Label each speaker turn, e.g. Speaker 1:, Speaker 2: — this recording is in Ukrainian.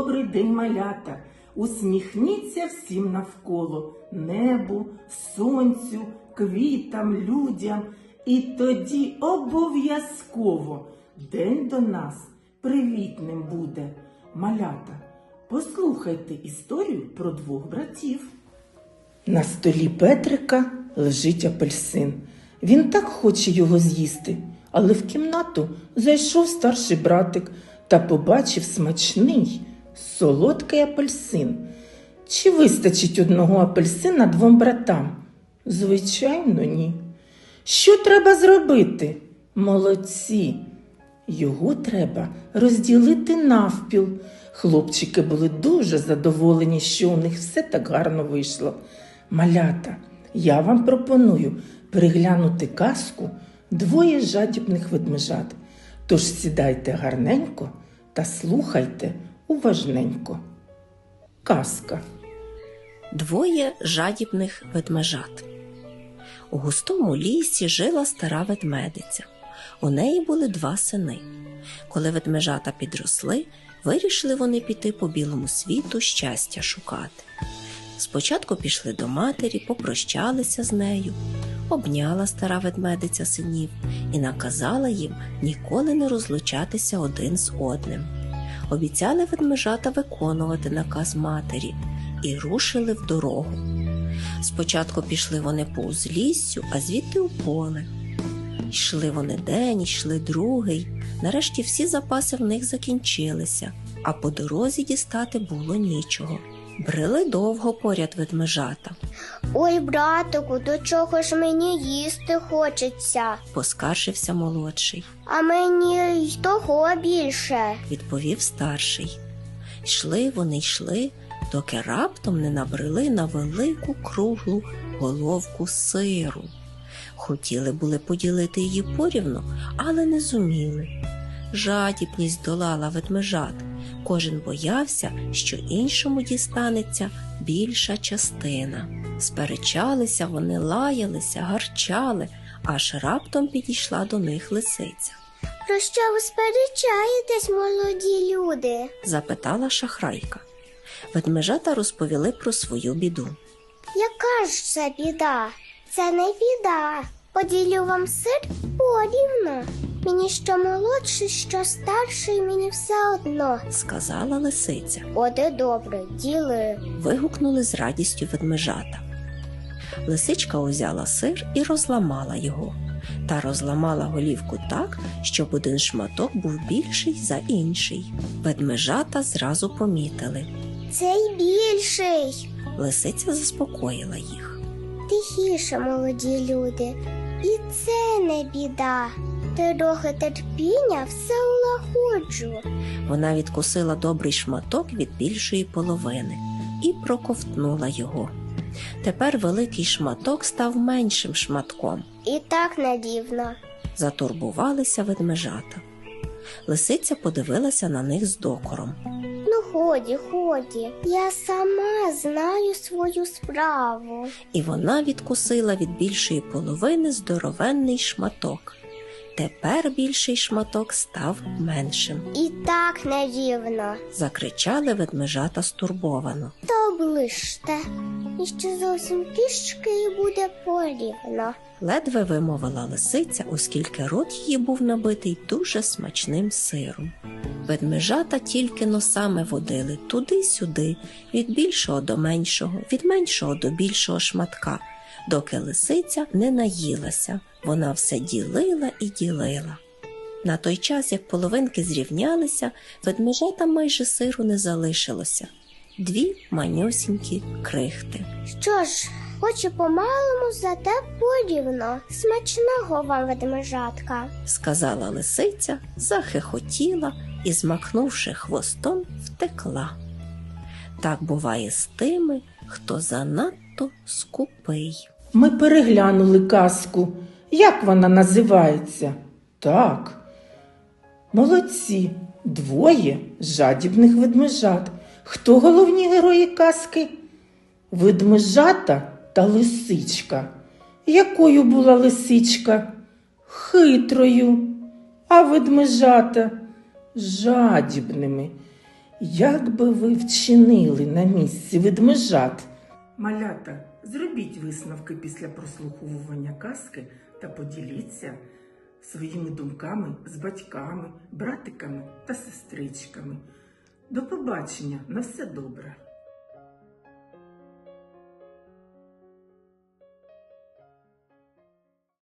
Speaker 1: добрий день, малята! Усміхніться всім навколо, небу, сонцю, квітам, людям. І тоді обов'язково день до нас привітним буде. Малята, послухайте історію про двох братів. На столі Петрика лежить апельсин. Він так хоче його з'їсти, але в кімнату зайшов старший братик та побачив смачний, солодкий апельсин. Чи вистачить одного апельсина двом братам? Звичайно, ні. Що треба зробити? Молодці! Його треба розділити навпіл. Хлопчики були дуже задоволені, що у них все так гарно вийшло. Малята, я вам пропоную переглянути казку «Двоє жадібних ведмежат». Тож сідайте гарненько та слухайте уважненько. Казка.
Speaker 2: Двоє жадібних ведмежат. У густому лісі жила стара ведмедиця. У неї були два сини. Коли ведмежата підросли, вирішили вони піти по білому світу щастя шукати. Спочатку пішли до матері, попрощалися з нею. Обняла стара ведмедиця синів і наказала їм ніколи не розлучатися один з одним. Обіцяли ведмежата виконувати наказ матері і рушили в дорогу. Спочатку пішли вони по узліссю, а звідти у поле. Йшли вони день, йшли другий. Нарешті всі запаси в них закінчилися, а по дорозі дістати було нічого. Брели довго поряд ведмежата.
Speaker 3: «Ой, братику, до чого ж мені їсти хочеться?» –
Speaker 2: поскаржився молодший.
Speaker 3: «А мені й того більше», –
Speaker 2: відповів старший. Йшли вони, йшли, доки раптом не набрели на велику круглу головку сиру. Хотіли були поділити її порівну, але не зуміли. Жадібність долала ведмежат. Кожен боявся, що іншому дістанеться більша частина. Сперечалися вони, лаялися, гарчали, аж раптом підійшла до них лисиця.
Speaker 3: «Про що ви сперечаєтесь, молоді люди?» –
Speaker 2: запитала шахрайка. Ведмежата розповіли про свою біду.
Speaker 3: «Яка ж це біда?» «Це не біда. Поділю вам сир порівну. Мені що молодший, що старший, мені все одно», –
Speaker 2: сказала лисиця.
Speaker 3: «От і добре, діли», –
Speaker 2: вигукнули з радістю ведмежата. Лисичка узяла сир і розламала його. Та розламала голівку так, щоб один шматок був більший за інший. Ведмежата зразу помітили.
Speaker 3: «Цей більший».
Speaker 2: Лисиця заспокоїла їх.
Speaker 3: «Тихіше, молоді люди, і це не біда. Трохи терпіння все улагоджу».
Speaker 2: Вона відкусила добрий шматок від більшої половини і проковтнула його. Тепер великий шматок став меншим шматком.
Speaker 3: «І так не дивно», –
Speaker 2: затурбувалися ведмежата. Лисиця подивилася на них з докором.
Speaker 3: «Ну годі, я сама знаю свою справу».
Speaker 2: І вона відкусила від більшої половини здоровенний шматок. Тепер більший шматок став меншим.
Speaker 3: «І так не дивно», –
Speaker 2: закричали ведмежата стурбовано.
Speaker 3: «То оближте, і ще зовсім трішки і буде порівно».
Speaker 2: Ледве вимовила лисиця, оскільки рот її був набитий дуже смачним сиром. Ведмежата тільки носами водили туди-сюди, від більшого до меншого, від меншого до більшого шматка, доки лисиця не наїлася. Вона все ділила і ділила. На той час, як половинки зрівнялися, ведмежатам майже сиру не залишилося. Дві манюсінькі крихти.
Speaker 3: «Що ж, хоч і помалому, зате порівно. Смачного вам, ведмежатка», –
Speaker 2: сказала лисиця, захихотіла і, змахнувши хвостом, втекла. Так буває з тими, хто занадто скупий.
Speaker 1: Ми переглянули казку. Як вона називається? Так. Молодці. Двоє жадібних ведмежат. Хто головні герої казки? Ведмежата та лисичка. Якою була лисичка? Хитрою. А ведмежата жадібними. Як би ви вчинили на місці ведмежат? Малята, зробіть висновки після прослуховування казки та поділіться своїми думками з батьками, братиками та сестричками. До побачення, на все добре!